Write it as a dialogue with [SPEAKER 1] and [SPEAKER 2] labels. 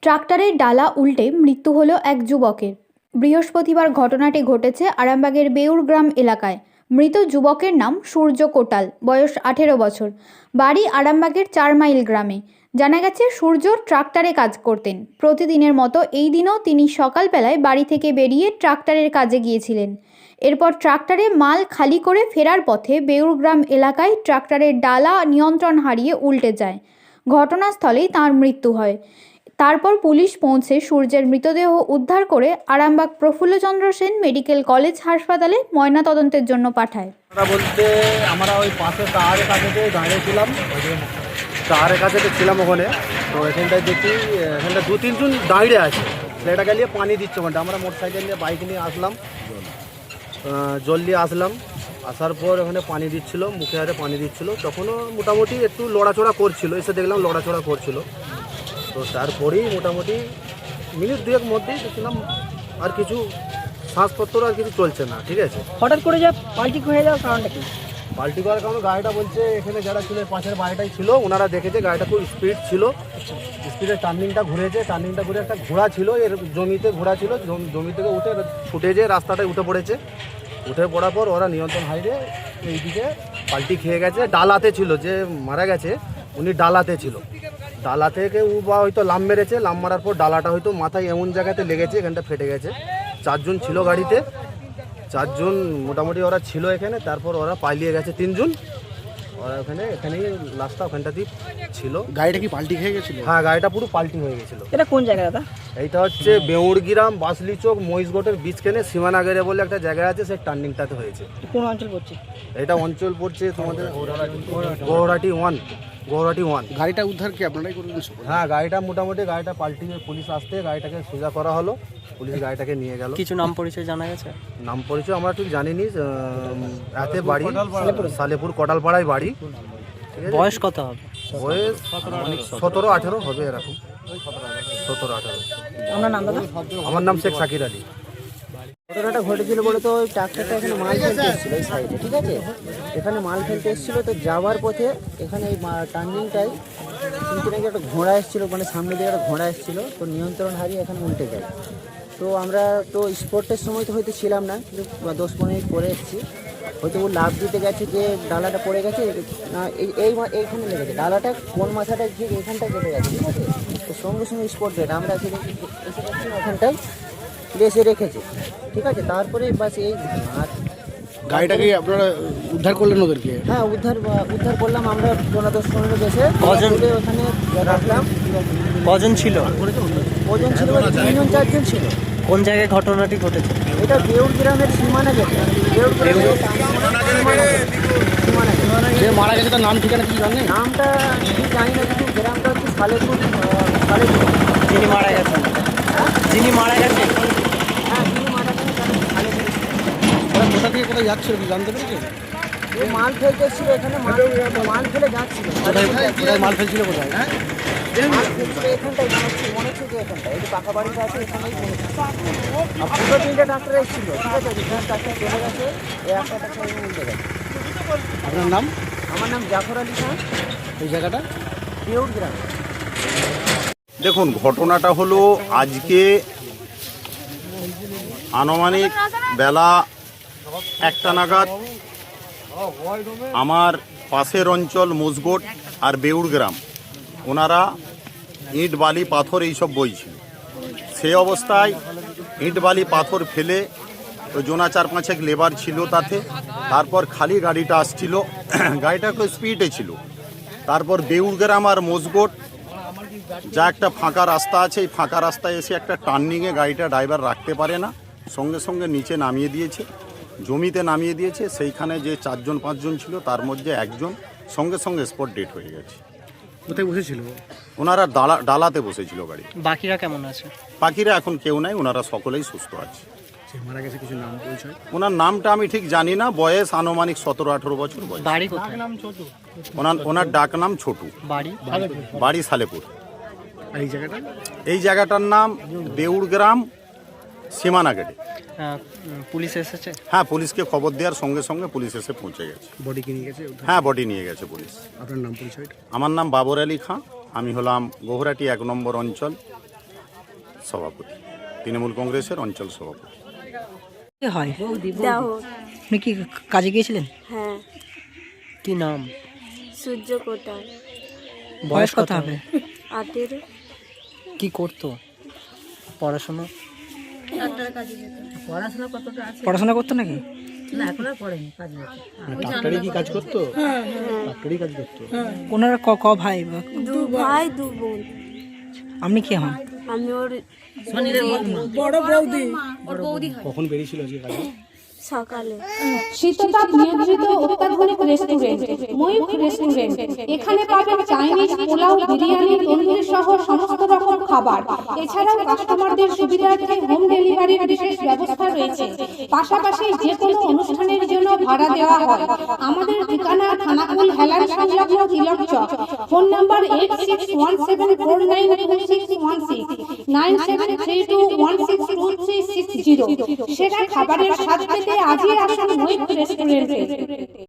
[SPEAKER 1] ট্রাক্টরের ডালা উল্টে মৃত্যু হলো এক যুবকের। বৃহস্পতিবার ঘটনাটি ঘটেছে আরামবাগের বেউরগ্রাম এলাকায়। মৃত যুবকের নাম সূর্য কোটাল, বয়স 18 বছর, বাড়ি আরামবাগের 4 মাইল গ্রামে। জানা গেছে সূর্য ট্রাক্টরে কাজ করতেন। প্রতিদিনের মতো এই দিনও তিনি সকালবেলায় বাড়ি থেকে বেরিয়ে ট্রাক্টরের কাজে গিয়েছিলেন। এরপর ট্রাক্টরে মাল খালি করে ফেরার পথে বেউরগ্রাম এলাকায় ট্রাক্টরের ডালা নিয়ন্ত্রণ হারিয়ে উল্টে যায়। ঘটনাস্থলেই তাঁর মৃত্যু হয়। তারপর পুলিশ পৌঁছে সূর্যের মৃতদেহ উদ্ধার করে আরামবাগ প্রফুল্লচন্দ্র সেন মেডিকেল কলেজ হাসপাতালে ময়নাতদন্তের জন্য পাঠায়।
[SPEAKER 2] বলতে আমরা ওই পাশে টাওয়ারের কাছে দাঁড়িয়েছিলাম, টাওয়ারের কাছে ছিলাম ওখানে। তো এখানটায় দেখি এখানটা 2-3 জন দাঁড়িয়ে আছে, ছেলেটাকে নিয়ে পানি দিচ্ছে। ওখানটা আমরা মোটরসাইকেল নিয়ে বাইক নিয়ে আসলাম, জল দিয়ে আসলাম। আসার পর ওখানে পানি দিচ্ছিল, মুখে হাতে পানি দিচ্ছিল। তখনও মোটামুটি একটু লড়াচড়া করছিল, এসে দেখলাম লড়াচড়া করছিল। তো তারপরেই মোটামুটি মিনিট দুয়েক মধ্যেই দেখলাম আর কিছু শ্বাসপত্র আর কিছু চলছে না। ঠিক আছে,
[SPEAKER 3] হঠাৎ করে যা পাল্টি হয়ে যাওয়ার কারণটা কি?
[SPEAKER 2] পাল্টি করার কারণে গাড়িটা বলছে এখানে যারা ছিল পাশের বাড়িটাই ছিল, ওনারা দেখেছে গাড়িটা খুব স্পিড ছিল। স্পিডে টার্নিংটা ঘুরেছে, টার্নিংটা ঘুরে একটা ঘোড়া ছিল, এর জমিতে ঘোড়া ছিল, জমি থেকে উঠে ছুটে যেয়ে রাস্তাটায় উঠে পড়েছে। উঠে পড়ার পর ওরা নিয়ন্ত্রণ হারিয়ে এইদিকে পাল্টি খেয়ে গেছে। ডালাতে ছিল, যে মারা গেছে উনি ডালাতে ছিল। ডালা থেকে ও বা হয়তো লাম মেরেছে, লাম মারার পর ডালাটা হয়তো মাথায় এমন জায়গাতে লেগেছে, এখানটা ফেটে গেছে। 4 জন ছিল গাড়িতে, 4 জন মোটামুটি ওরা ছিল এখানে। তারপর ওরা পালিয়ে গেছে 3 জন। ওরা এখানেই লাস্টটা ওখানটাতেই ছিল।
[SPEAKER 4] গাড়িটা কি পাল্টি খেয়ে গেছিল?
[SPEAKER 2] হ্যাঁ, গাড়িটা পুরো পাল্টি হয়ে গেছিলো।
[SPEAKER 3] এটা কোন জায়গা দাদা?
[SPEAKER 2] এইটা হচ্ছে বেউরগ্রাম বাসলি চোক মহিষগড়ের বীজখানে সীমানাগেরে বলে একটা জায়গা আছে, সেই টার্নিংটাতে হয়েছে।
[SPEAKER 3] কোন অঞ্চল পড়ছে?
[SPEAKER 2] এটা অঞ্চল পড়ছে তোমাদের গৌহাটি 1। গৌহাটি 1।
[SPEAKER 4] গাড়িটা উদ্ধার কি আপনারাই করলেন?
[SPEAKER 2] হ্যাঁ, গাড়িটা মোটামুটি গাড়িটা পাল্টি পুলিশ আসতে গাড়িটাকে সোজা করা হলো, পুলিশ গাড়িটাকে নিয়ে গেল।
[SPEAKER 5] কিছু নাম পরিচয় জানা গেছে?
[SPEAKER 2] নাম পরিচয় আমরা ঠিক জানিনি। রাতে বাড়ি সালেপুর কোটালপাড়ায় বাড়ি।
[SPEAKER 5] বয়স কত হবে?
[SPEAKER 2] বয়স 17-18 হবে, এরকম 17-18।
[SPEAKER 3] আপনার নাম দাদা?
[SPEAKER 2] আমার নাম শেখ সাকির আলী।
[SPEAKER 3] ঘটনাটা ঘটেছিল বলে তো ওই ট্রাক্টরটা এখানে মাল ফেলতে এসেছিল এই সাইডে, ঠিক আছে? এখানে মাল ফেলতে এসেছিল, তো যাওয়ার পথে এখানে এই টার্নিংটাই কিন্তু নাকি একটা ঘোড়া এসেছিলো, মানে সামনে দিকে একটা ঘোড়া এসেছিলো, তো নিয়ন্ত্রণ হারিয়ে এখানে উল্টে যায়। তো আমরা তো স্পটের সময় তো হয়তো ছিলাম না, কিন্তু 10-15 মিনিট পরে এসেছি। হয়তো ও লাভ দিতে গেছে, যে ডালাটা পড়ে গেছে না, এইখানে লেগেছে ডালাটা, কোন মাথাটা ঠিক এখানটায় কেটে গেছে, ঠিক আছে? তো সঙ্গে সঙ্গে স্পট ডেট আমরা এসে দেখছি ওখানটায় এসে রেখেছে, ঠিক আছে? তারপরে বাস এই আর
[SPEAKER 4] গাড়িটাকে আপনারা উদ্ধার করলেন ওদেরকে?
[SPEAKER 3] হ্যাঁ, উদ্ধার করলাম আমরা 10-15 বেশে ওখানে রাখলাম।
[SPEAKER 5] কজন ছিল?
[SPEAKER 3] ওজন ছিল 3-4 জন ছিল।
[SPEAKER 5] কোন জায়গায় ঘটনাটি ঘটেছে?
[SPEAKER 3] এটা বেউরগ্রামের সীমানা গেছে।
[SPEAKER 4] যে মারা গেছে তার নাম ঠিকানা কি জানেন?
[SPEAKER 3] নামটা ঠিক জানি না, কিন্তু গ্রামটা হচ্ছে সালেপুর।
[SPEAKER 5] যিনি মারা গেছেন? যিনি মারা গেছেন?
[SPEAKER 3] হ্যাঁ, যিনি মারা গেছেন তার সালেপুর।
[SPEAKER 4] ওরা কোথা থেকে কোথায় যাচ্ছিল কি জানতে পেরেছেন?
[SPEAKER 3] ও মাল ফেলতে এসেছিল এখানে, মাল ফেলে যাচ্ছিল।
[SPEAKER 4] কোথায় মাল ফেলছিল কোথায়?
[SPEAKER 3] মাল ফেলছিল এখানটাই, মনে হচ্ছে যে এখানটায় এই যে পাকা বাড়িটা আছে এখানেই পড়েছে। আর 2-3টে ডাক্তার এসেছিল, ঠিক আছে? ডাক্তার চলে গেছে, এই একটা ডাক্তার উল্টে গেছে।
[SPEAKER 4] আপনার নাম?
[SPEAKER 3] আমার নাম জাফর আলী খান,
[SPEAKER 4] এই জায়গাটা
[SPEAKER 3] বেউরগ্রাম।
[SPEAKER 6] দেখুন, ঘটনাটা হলো আজকে আনুমানিক বেলা 1টা নাগাদ আমার পাশের অঞ্চল মুসগোট আর বেউরগ্রাম, ওনারা ইট বালি পাথর এইসব বইছিল। সেই অবস্থায় ইট বালি পাথর ফেলে ওই জোনা 4-5 লেবার ছিল তাতে। তারপর খালি গাড়িটা আসছিল, গাড়িটা একটু স্পিডে ছিল। তারপর বেউরগ্রাম আর মুসগোট যা একটা ফাঁকা রাস্তা আছে, এই ফাঁকা রাস্তায় এসে একটা টার্নিংয়ে গাড়িটা ড্রাইভার রাখতে পারে না, সঙ্গে সঙ্গে নিচে নামিয়ে দিয়েছে, জমিতে নামিয়ে দিয়েছে। সেইখানে যে 4-5 জন ছিল তার মধ্যে একজন সঙ্গে সঙ্গে স্পট ডেট হয়ে গেছে।
[SPEAKER 4] কোথায় বসেছিল?
[SPEAKER 6] ওনারা ডালাতে বসেছিল গাড়ি।
[SPEAKER 5] বাকিরা কেমন আছে?
[SPEAKER 6] বাকিরা এখন কেউ নাই, ওনারা সকলেই সুস্থ আছে।
[SPEAKER 4] মারা গেছে কিছু নাম পরিচয়?
[SPEAKER 6] ওনার নামটা আমি ঠিক জানি না, বয়স আনুমানিক 17-18 বছর বয়স।
[SPEAKER 5] বাড়ি কোথায়?
[SPEAKER 6] ওনার ডাক নাম ছোটু।
[SPEAKER 5] বাড়ি?
[SPEAKER 6] বাড়ি সালেপুর।
[SPEAKER 4] এই জায়গাটা?
[SPEAKER 6] এই জায়গাটার নাম বেউরগ্রাম সীমানা গেটে।
[SPEAKER 5] পুলিশ এসেছে?
[SPEAKER 6] হ্যাঁ, পুলিশকে খবর দেওয়ার সঙ্গে সঙ্গে পুলিশ এসে পৌঁছে গেছে।
[SPEAKER 4] বডি কি নিয়ে গেছে?
[SPEAKER 6] হ্যাঁ, বডি নিয়ে গেছে পুলিশ।
[SPEAKER 4] আপনার নাম পরিচয়?
[SPEAKER 6] আমার নাম বাবর আলী খাঁ, আমি হলাম গৌহাটি 1 নম্বর অঞ্চল সভাপতি, তৃণমূল কংগ্রেসের অঞ্চল সভাপতি।
[SPEAKER 7] কে হয়?
[SPEAKER 8] দাও।
[SPEAKER 7] আপনি কি কাজে গিয়েছিলেন?
[SPEAKER 8] হ্যাঁ,
[SPEAKER 7] কি নাম?
[SPEAKER 8] সূর্য কোটাল।
[SPEAKER 7] বয়স কত হবে?
[SPEAKER 8] 18।
[SPEAKER 7] কি করতো? পড়াশোনা পড়াশোনা করতো নাকি?
[SPEAKER 4] ডাক্তারি কি কাজ করতো? ডাক্তারি কাজ করতো।
[SPEAKER 7] ওনারা ক ভাই বা?
[SPEAKER 8] 2 ভাই 2 বোন।
[SPEAKER 7] আপনি কে হন?
[SPEAKER 8] আমি ওর
[SPEAKER 4] কখন বেরিয়েছিল আজকে কাজে?
[SPEAKER 8] সকালে।
[SPEAKER 9] শীততাপ নিয়ন্ত্রিত অত্যাধুনিক রেস্টুরেন্ট ময়ূখ রেস্টুরেন্ট। এখানে পাবেন চাইনিজ, পোলাও, বিরিয়ানি, তন্দুরি সহ সমস্ত রকম খাবার। এছাড়াও কাস্টমারদের সুবিধার্থে হোম ডেলিভারির বিশেষ ব্যবস্থা রয়েছে। পাশাপাশি যে কোনো অনুষ্ঠানের জন্য ভাড়া দেওয়া হয়। আমাদের ঠিকানা থানাকুল হেলান সংলগ্ন তিলক চক। Phone number 8617492616 9732162360। সেরা খাবারের স্বাদ পেতে আজই আসুন ময়ূখ রেস্টুরেন্টে।